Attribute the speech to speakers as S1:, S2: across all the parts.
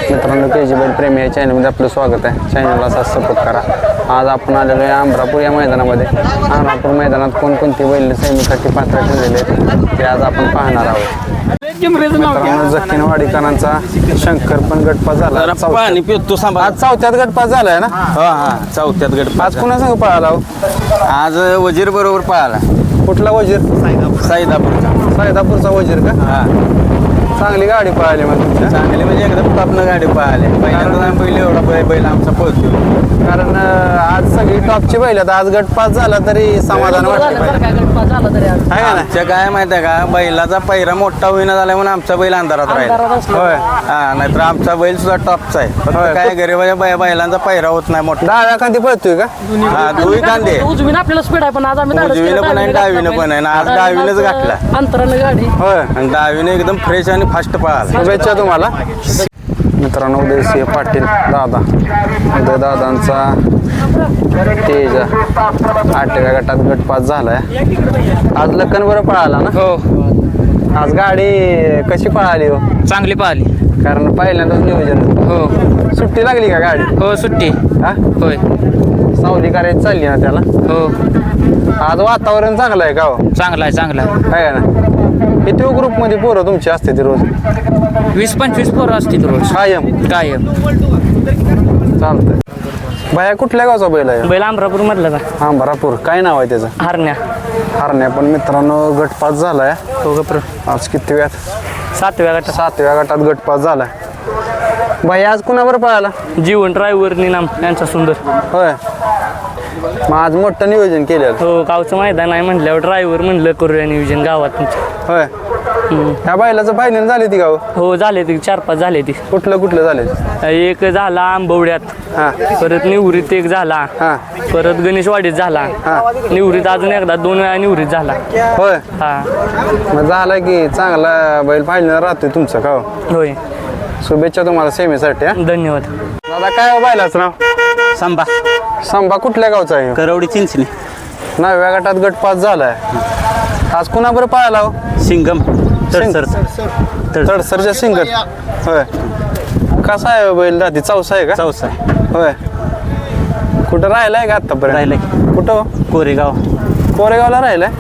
S1: मित्रांनो KG बैल प्रेमी या चॅनलमध्ये आपलं स्वागत आहे. चॅनलला असा सपोर्ट करा. आज आपण आलेलो आहे अमरापूर या मैदानामध्ये. अमरापूर मैदानात कोणकोणती बैल सेमीसाठी पात्र ठरलेले आहेत ते आज आपण पाहणार आहोत. मित्रांनो जखीनवाडीकरांचा शंकर पण गटपास झाला. आज चौथ्यात गटपास झालाय ना?
S2: हा चौथ्यात गटपास.
S1: आज कुणा संग पळाला?
S2: आज वजीर बरोबर पळाला.
S1: कुठला वजीर? साईदापूरचा वजीर का?
S2: हा
S1: चांगली गाडी पळाली मग तुमच्या.
S2: चांगली म्हणजे एकदम टॉपनं गाडी पळाली. पहिल्यांदा बैल एवढा बैल आमचा पळतो.
S1: कारण आज सगळी टॉपची बैल आहेत. आज गटपास झाला तरी समाधान वाटतं.
S2: आमच्या काय माहिती आहे का, बैलाचा पहिरा मोठा होईना झाला म्हणून आमचा बैल अंधारात राहिला.
S1: होय
S2: हा नाहीतर आमचा बैल सुद्धा टॉपचा आहे. फक्त काय गरीबाच्या बैलांचा पहिरा होत नाही मोठा.
S1: डाव्या खांदी पळतोय का?
S2: हा दोन्ही कांदे
S3: उजवीन आपल्याला स्पीड आहे पण आज आम्ही
S2: उजवीनं पण आहे डावीनं पण आहे. आज डावीनच घातला
S3: अंतरानं गाडी.
S1: होय
S2: आणि डावीनं एकदम फ्रेश आणि फास्ट पळाला.
S1: शुभेच्छा तुम्हाला. मित्रांनो उदयसिंह पाटील दादा, उदय दादांचा तेज 8व्या गटात गटपास झालाय. आज लखन बरं पळाला ना?
S4: हो
S1: आज गाडी कशी पळाली हो?
S4: चांगली पाहिली.
S1: कारण पहिल्यांदाच नियोजन.
S4: हो
S1: सुट्टी लागली का गाडी?
S4: हो सुट्टी.
S1: हा
S4: होय
S1: सावली करायची चालली ना त्याला.
S4: हो
S1: आज वातावरण चांगलं आहे का हो?
S4: चांगला आहे चांगला आहे.
S1: काय ना किती ग्रुपमध्ये पोरं तुमची असते ती रोज?
S4: 20-25 पोरं असतील रोज
S1: कायम
S4: कायम.
S1: चालतंय. बाया कुठल्या गावचा बैल आहे?
S4: बैल अमरापूर मधला का?
S1: अमरापूर. काय नाव आहे त्याचं?
S4: हरण्या.
S1: हरण्या पण मित्रांनो गटपास झालाय.
S4: हो गप्र.
S1: आज किती वेळात?
S4: 7व्या गटात.
S1: 7व्या गटात गटपास झालाय. बाई आज कुणावर पळाला?
S4: जीवन ड्रायव्हर निनाम यांचा सुंदर.
S1: होय. मग आज मोठं नियोजन केलेलं.
S4: हो गावचं मैदान आहे म्हटल्यावर ड्रायव्हर म्हणलं करूया नियोजन गावात तुमच्या.
S1: होय. ह्या बैलाचं फायनल झाली ती गाव?
S4: हो झाले ती 4-5 झाले ती.
S1: कुठलं झाले?
S4: एक झाला आंबवड्यात,
S1: हा
S4: परत निवृत्त एक झाला,
S1: हा
S4: परत गणेशवाडीत झाला,
S1: हा.
S4: निवृत्त अजून एकदा 2 वेळा निवृत्त झाला.
S1: होय.
S4: हा
S1: मग झाला की चांगला बैल फायनल राहतोय तुमचं का हो?
S4: होय.
S1: शुभेच्छा तुम्हाला सेमीसाठी. हा
S4: धन्यवाद.
S1: दादा काय हो बैलाचं नाव?
S2: संभा
S1: संभा. कुठल्या गावचा आहे?
S2: करवडी चिंचणी.
S1: 9व्या गटात गटपास झालाय. आज कुणाबरोबर पळाला हो?
S2: सिंगम तडसर.
S1: तडसरच्या सिंगर. होय. कसा आहे बैल? दाती चौसा आहे का?
S2: चौसा
S1: होय. कुठं राहिलाय का आतापर्यंत?
S2: राहिलाय.
S1: कुठं?
S2: कोरेगाव.
S1: कोरेगावला राहिलाय.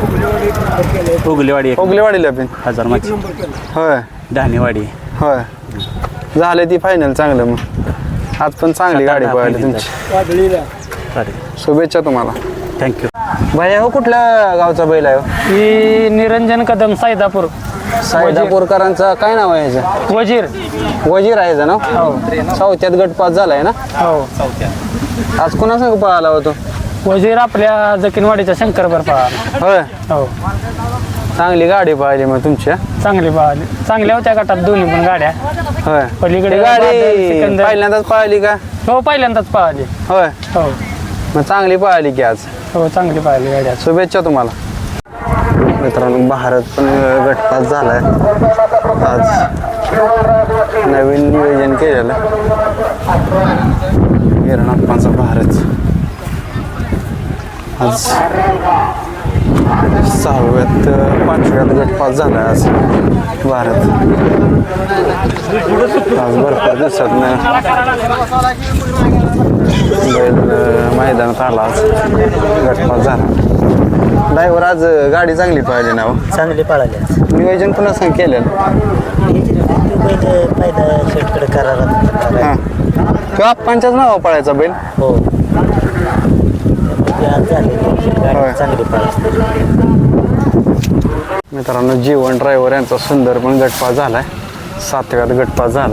S2: उगलेवाडी
S1: ओगलेवाडीला पण.
S2: हजारमाची.
S1: होय.
S2: धानेवाडी.
S1: होय. झाले ती फायनल चांगलं. मग आज पण चांगली गाडी पळाली तुमची. शुभेच्छा तुम्हाला.
S2: थँक्यू.
S1: भैया हो कुठल्या गावचा बैल आहे हो?
S3: ही निरंजन कदम साईदापूर.
S1: साईदापूरकरांचा काय नाव आहे ह्याचं?
S3: वजीर.
S1: वजीर आहे ह्याचं नाव? चौथ्यात गटपास झालाय ना?
S3: हो
S1: आज कुणा संग पळाला होतो?
S3: वजीर आपल्या जकीनवाडीच्या शंकरभर पळाला.
S1: होय.
S3: हो
S1: चांगली गाडी पळाली मग तुमची.
S3: चांगली पळाली. चांगल्या होत्या गटात दोन्ही पण गाड्या.
S1: होय.
S3: पलीकडे
S1: ती गाडी
S3: सिकंदर.
S1: पहिल्यांदाच पळाली का?
S3: हो पहिल्यांदाच पळाली.
S1: होय.
S3: हो
S1: मग चांगली पळाली की आज.
S3: हो चांगली पळाली गाड्या.
S1: शुभेच्छा तुम्हाला. मित्रांनो भारत पण गटपास झालाय. आज नवीन नियोजन केलेलं गिरणाप्पांचा भारत. आज 6व्यात 5व्यात गटपास झालाय आज भारत. आज भरपूर दिवसात बैल मैदानात आला. आज गटपास झाला. ड्रायव्हर आज गाडी चांगली पळाली ना?
S5: चांगली पळाली.
S1: नियोजन पुन्हा सांग केलेलं.
S5: पहिला शेटकडे करारात.
S1: हां किंवा आप्पांच्याच नावा पळायचा बैल.
S5: हो
S1: होय.
S5: चांगली पळाली.
S1: मित्रांनो जीवन ड्रायव्हर यांचा सुंदर पण गटपास झालाय. 7व्यात गटपास झाला.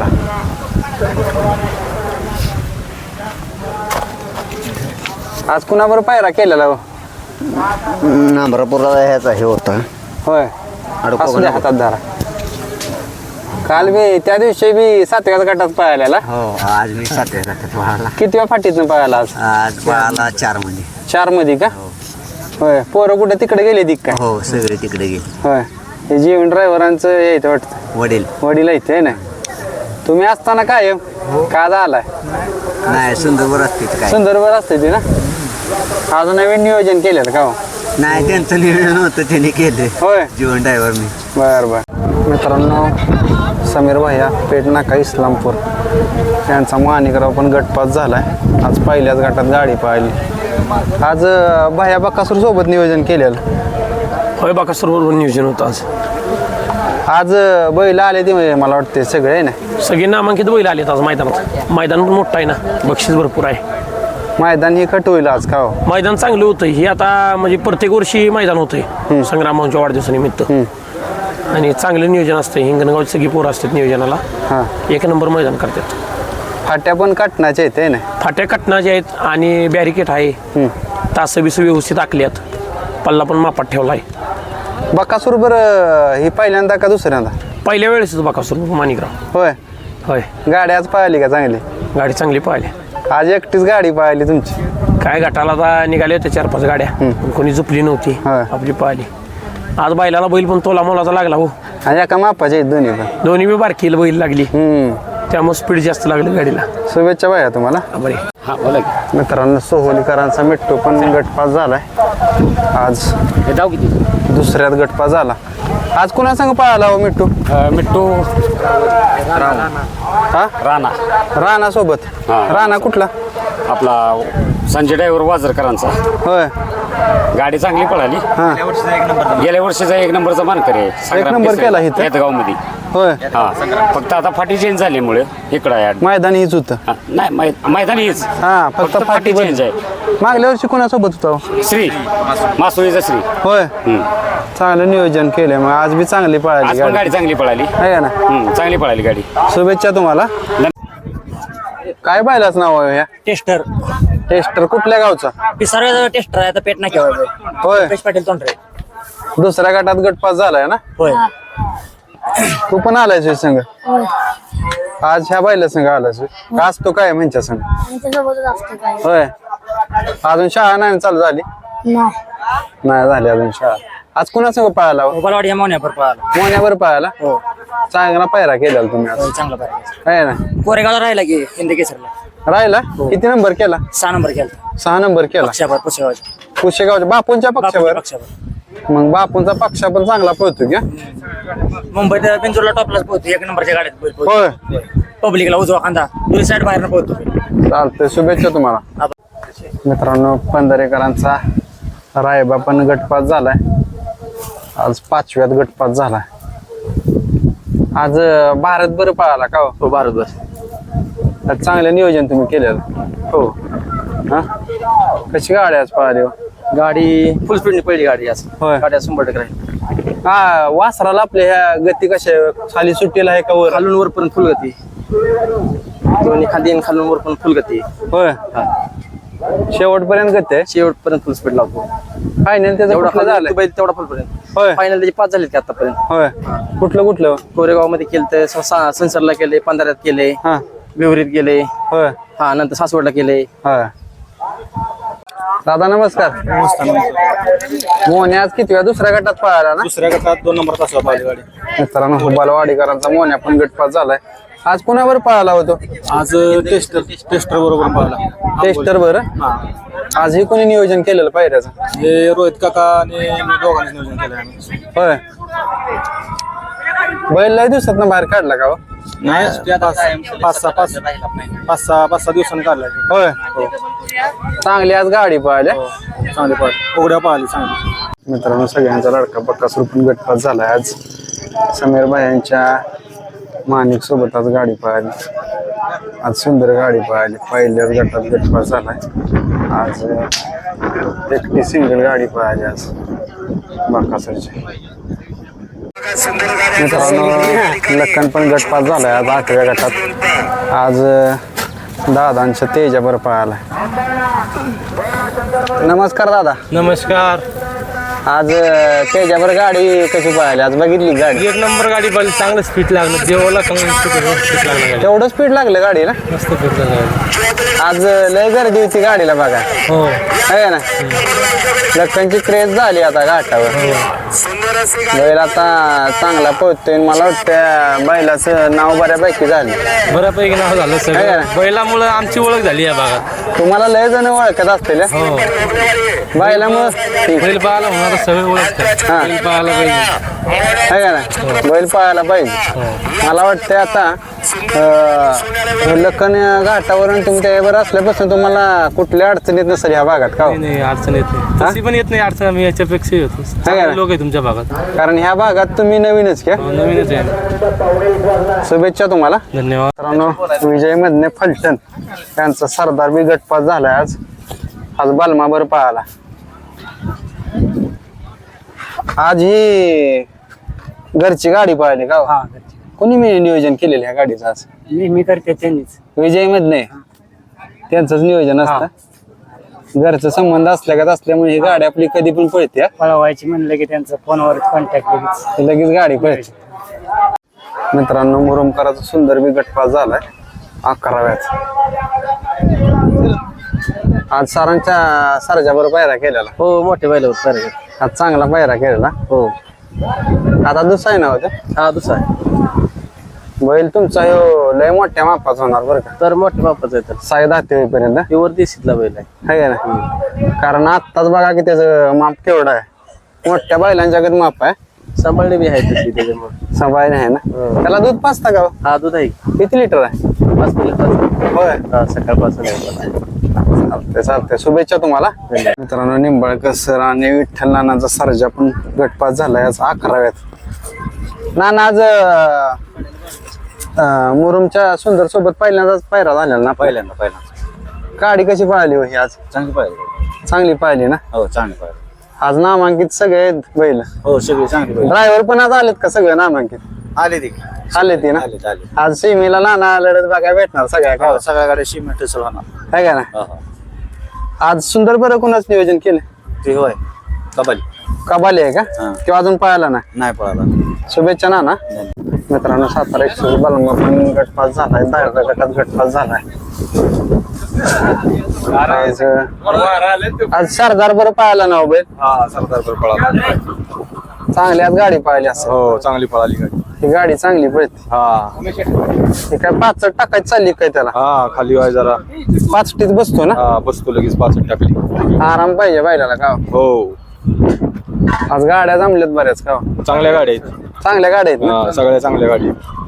S1: आज कुणाबरोबर पायरा केलेला हो?
S5: अमरापूरला ह्याचा हे होता.
S1: होय. असू द्या हातात धरा. काल बी त्या दिवशी बी 7व्या गटात पळालेला.
S5: हो आज मी 7व्या गटात पळाला.
S1: कितव्या फाटीतनं पळाला आज?
S5: आज पळाला 4 मध्ये.
S1: 4 मध्ये का? होय. पोरं कुठे तिकडे गेले ती काय?
S5: हो सगळे तिकडे गेले.
S1: होय. हे जीवन ड्रायव्हरांचं हे इथं वाटतं. वडील इथे आहे ना? तुम्ही असताना काय का झालाय?
S5: नाही सुंदरवर असते काय.
S1: सुंदरवर असते ती ना? आज नवीन नियोजन केलेलं का हो?
S5: नाही त्यांचं नियोजन होतं त्यांनी केलं.
S1: होय.
S5: जीवन ड्रायव्हरने.
S1: बर बर. मित्रांनो समीर भैया पेट नाका इस्लामपूर यांचा माणिकराव पण गटपास झालाय. आज पहिल्याच गटात गाडी पाहिली. आज भैया बकासूर सोबत नियोजन केलेलं.
S6: होय बाकासूर बरोबर नियोजन होतं आज.
S1: आज बैल आले ते म्हणजे मला वाटते सगळे आहे ना.
S6: सगळे नामांकित बैल आलेत आज मैदानात. मैदान पण मोठं आहे ना, बक्षीस भरपूर आहे.
S1: मैदान ही कट होईल आज का हो?
S6: मैदान चांगलं होतं. हे आता म्हणजे प्रत्येक वर्षी मैदान होतंय संग्रामांच्या वाढदिवसानिमित्त. आणि चांगलं नियोजन असतं. हिंगणगावची सगळी पोरं असतात नियोजनाला.
S1: हां,
S6: एक नंबर मैदान करतात.
S1: फाट्या पण काटण्याच्या आहेत आहे ना.
S6: फाट्या कटणाच्या आहेत आणि बॅरिकेड आहे. तास बिस व्यवस्थित आखल्यात. पल्ला पण मापात ठेवला आहे.
S1: बकासूर बरं ही पहिल्यांदा का दुसऱ्यांदा?
S6: पहिल्या वेळेस बाकासूर माणिकराव.
S1: होय.
S6: होय,
S1: गाडी आज पाहिली का चांगली?
S6: गाडी चांगली पाहिली.
S1: आज एकटीच गाडी पाहिली तुमची?
S6: काय गटाला आता निघाले होते 4-5 गाड्या. पण कोणी झुपली नव्हती.
S1: होय.
S6: आपली पाहिली. आज बैलाला बैल पण तोला मोलाचा लागला हो.
S1: आणि एका मापाचे आहेत दोन्ही पण.
S6: दोन्ही बी बारकीला बैल लागली. त्यामुळे स्पीड जास्त लागली गाडीला.
S1: शुभेच्छा भैया तुम्हाला.
S6: बरे हा बोला की.
S1: मित्रांनो सोहोलीकरांचा मिट्टू पण गटपास झालाय. आज
S3: जाऊ किती
S1: दुसऱ्यात गटपास झाला. आज कुणा संग पळाला हो मिट्टू?
S3: मिट्टू
S1: हा,
S3: राणा
S1: राणा सोबत. राणा कुठला?
S3: आपला संजय ड्रायव्हर वाजरकरांचा.
S1: होय.
S3: गाडी चांगली पळाली.
S1: हा,
S3: गेल्या वर्षीचा 1 नंबरचा मानकरी आहे.
S1: एक नंबर केला इथं?
S3: गाव मध्ये.
S1: होय.
S3: हा, फक्त आता फाटी चेंज झाल्यामुळे इकडं आहे.
S1: मैदान हीच होतं.
S3: नाही मैदान हीच.
S1: हा, फक्त फाटी
S3: चेंज आहे.
S1: मागल्या वर्षी कोणासोबत होता हो?
S3: श्री मासोळीचा श्री.
S1: होय. चांगलं नियोजन केलंय. मग आज बी चांगली पळाली
S3: आज पण गाडी चांगली पळाली.
S1: आहे का ना.
S3: चांगली पळाली गाडी.
S1: शुभेच्छा तुम्हाला. काय पाहिलाच नाव आहे ह्या?
S7: टेस्टर
S1: टेस्टर कुठल्या गावचा?
S7: पिसारा टेस्टर आहे आता पेट ना केव्हा
S1: होय.
S7: रुपेश पाटील तोंडरे.
S1: दुसऱ्या गटात गटपास झालाय ना.
S7: होय.
S1: तू पण आलायस होय संघ? आज ह्या बायला संघ आलायस होय? का आज तो काय म्हणच्या संघ? होय. अजून शाळा नाही चालू झाली? नाही झाली अजून शाळा. आज कुणा संघ पळाला हो?
S7: गोपालवाडी या मोन्यावर पळाला.
S1: मोन्यावर पळाला.
S7: हो,
S1: चांगला पायरा केला तुम्ही आज.
S7: चांगला पाहिजे.
S1: आहे ना.
S7: कोरेगावला राहिला की हिंदी केसरला
S1: राहिला. किती नंबर केला?
S7: 6 नंबर केला.
S1: 6 नंबर केला.
S7: पक्षावर पुसेगावच्या
S1: कुशेगावच्या बापूंच्या पक्षावर.
S7: पक्षावर
S1: मग बापूंचा पक्ष पण चांगला पळतो का?
S7: मुंबईत बिंजूरला टॉपलाच पोहतो. 1 नंबरच्या गाड्यात
S1: होय.
S7: पब्लिकला उजवा खांदा दुसरी साईड बाहेर पोहतो.
S1: चालतंय. शुभेच्छा तुम्हाला. मित्रांनो पंधरेकरांचा रायबा पण गटपास झालाय. आज 5व्यात गटपास झालाय. आज भारत बरं पळाला का हो? भारत बस. आज चांगलं नियोजन तुम्ही केलेलं. हो. हा, कशी गाडी आज पळाली हो?
S2: गाडी फुल स्पीडने पहिली गाडी आज.
S1: होय.
S2: गाड्या 100% राहील.
S1: हा, वासराला आपल्या ह्या गती कशा खाली सुट्टीला आहे का वर?
S2: खालून वर पण फुल गती. दोन्ही खाली खालून वर पण फुल गती.
S1: होय. शेवटपर्यंत गती आहे.
S2: शेवटपर्यंत फुल स्पीड लावतो.
S1: फायनल त्याचं
S2: एवढा
S1: कुठलं झालंय?
S2: बैल तेवढा फुल पर्यंत.
S1: होय.
S2: फायनल त्याचे 5 झालेत की आतापर्यंत.
S1: होय. कुठलं
S2: कोरेगाव मध्ये केलं, संसारला केले, 15 केले,
S1: हा.
S2: विवरीत गेले.
S1: होय.
S2: हा, नंतर सासवडला केले.
S1: होय. दादा नमस्कार. मोन्या आज किती वेळा दुसऱ्या गटात पळाला ना?
S2: दुसऱ्या गटात 2 नंबर तासावर पाहिली गाडी.
S1: मित्रांनो हुबालवाडीकरांचा मोन्या पण गटपास झालाय. आज कोणावर पळाला होतो?
S2: आज टेस्टर बरोबर पाहिला.
S1: टेस्टर बरं. आज हे कोणी नियोजन केलेलं पायऱ्याचं?
S2: हे रोहित काका आणि दोघांनी नियोजन केलं आम्ही.
S1: होय. बैल लय दिवसात बाहेर काढला का हो?
S2: नाही, 5-6 दिवसांनी काढला.
S1: होय. चांगली आज गाडी पळाली.
S2: चांगली पाहिली. उघड्या पाहिली चांगली.
S1: मित्रांनो सगळ्यांचा लडका बक्कासूर पण गटपास झालाय. आज समीर भाईंच्या माणिक सोबत आज गाडी पळाली. आज सुंदर गाडी पळाली. पहिल्याच गटात गटपास झालाय. आज एकटी सिंगल गाडी पळाली आज बक्कासूरची. मित्रांनो लखन पण गटपास झालाय आज 8व्या गटात. आज दादांच्या तेजावर पळालाय. नमस्कार दादा.
S6: नमस्कार.
S1: आज तेजावर गाडी कशी पळाली? आज बघितली गाडी?
S6: 1 नंबर गाडी बैल चांगलं स्पीड लागलं. देवाला चांगलं स्पीड लागलं.
S1: तेवढं स्पीड लागलं गाडीला?
S6: मस्त स्पीड लागलं.
S1: आज लय गर्दी होती गाडीला बघा.
S6: हो.
S1: आहे ना. लखनची क्रेज झाली आता घाटावर. बैल आता चांगला पळतोय. मला वाटतं बैलाचं नाव बऱ्यापैकी झालं.
S6: बऱ्यापैकी नाव झालं
S1: आहे
S6: सगळं.
S1: ना?
S6: बैलामुळं आमची ओळख झाली या भागात.
S1: तुम्हाला लय जण ओळखत असतील
S3: हो.
S1: बायला मग
S3: बैल पाहायला होणार सगळे ओळखतात
S1: हा.
S3: बैल पाहायला पाहिजे
S1: आहे का ना बैल पाहायला पाहिजे मला वाटतंय आता लखन घाटावरून तुमच्या यावर असल्यापासून तुम्हाला कुठल्या अडचणीत नसेल ह्या भागात का हो?
S3: नाही अडचण येत नाही तशी पण येत नाही अडचण आम्ही याच्यापेक्षा येतो
S1: ना?
S3: लोक आहे तुमच्या भागात
S1: कारण ह्या भागात तुम्ही नवीनच घ्या
S3: नवीनच आहे
S1: शुभेच्छा तुम्हाला
S3: धन्यवाद
S1: मित्रांनो विजय मधने फलटण त्यांचा सरदार बी गटपास झालाय आज बालमाबर पाहायला आज ही घरची गाडी पाहिली का हो? कोणी मी नियोजन केलेलं ह्या गाडीचं आज
S3: मी करते त्यांनीच
S1: विजय मधने त्यांचंच नियोजन असतं घरचा संबंध असल्यामुळे ही गाडी आपली कधी पण पळते हा.
S3: पळवायची म्हणलं की त्यांचा फोनवर कॉन्टॅक्ट लगेच
S1: लगेच गाडी पळते मित्रांनो मुरुमकराचा सुंदर बी गटपास झालाय 11व्याच आज सरांच्या सरजा बरोबर पायरा केलेला
S3: हो मोठे बैल सर
S1: आज चांगला पायरा केलेला
S3: हो
S1: आता दुसरा आहे ना होता
S3: हा दुसरा
S1: बैल तुमचा ह्यो लय मोठ्या मापाचा होणार बरं का
S3: तर मोठे बापाच आहे तर
S1: साई दाते होईपर्यंत
S3: प्युअर देशीतला बैल आहे
S1: आहे ना कारण आत्ताच बघा की त्याचं माप केवढं आहे मोठ्या बैलांच्या माप आहे
S3: सांभाळणे बी आहे तशी त्याच्यामुळे
S1: सबाई आहे ना त्याला दूध पाचता का हो?
S3: हा दूध आहे
S1: किती लिटर आहे
S3: 5 मिनिट
S1: होय
S3: सकाळपासून
S1: चालतंय चालतंय शुभेच्छा तुम्हाला मित्रांनो निंबाळकर सर आणि विठ्ठल नानाचा सर्जा पण गटपास झालाय आज 11व्यात नाना आज मुरुमच्या सुंदर सोबत पहिल्यांदाच पायरा झालेला ना
S5: पहिल्यांदा
S1: गाडी कशी पळाली हो ही आज
S5: चांगली पाहिजे
S1: चांगली पाहिली ना
S5: हो चांगली पाहिजे
S1: आज नामांकित सगळे आहेत बैल
S5: हो सगळी चांगली पाहिजे
S1: ड्रायव्हर पण आज आलेत का सगळे नामांकित
S5: आले ते
S1: आले ती ना
S5: आले आले
S1: आज सीमेला नाना लढत बघायला भेटणार सगळ्या का
S5: हो सगळ्या गाड्या सिमेंट होणार
S1: आहे का ना
S5: हो हो
S1: आज सुंदर बरं कोणाच नियोजन केलं
S5: ते होय कबाली
S1: कबाली आहे का
S5: हा.
S1: किंवा अजून पळाला ना
S5: नाही पळाला
S1: शुभेच्छा नाना मित्रांनो सातारा एक्सप्रेस बालमा पण गटपास झालाय 10व्या गटात गटपास झालाय आज सरदार बरं पाहायला ना बैल
S2: हा सरदार पळाला
S1: चांगली आज गाडी पाहिली असं
S2: हो चांगली पळाली गाडी
S1: ही गाडी चांगली पळते
S2: हा
S1: ही काय 5 टाकायची चालली काय त्याला
S2: हा खाली वाय जरा
S1: 5 बसतो ना
S2: हा बसतो लगेच 5 टाकली
S1: आराम पाहिजे बैलाला का
S2: हो
S1: आज गाड्या जमल्यात बऱ्याच का
S2: चांगल्या गाड्या आहेत
S1: चांगल्या गाड्या आहेत ना
S2: हा सगळ्या चांगल्या गाडी आहेत.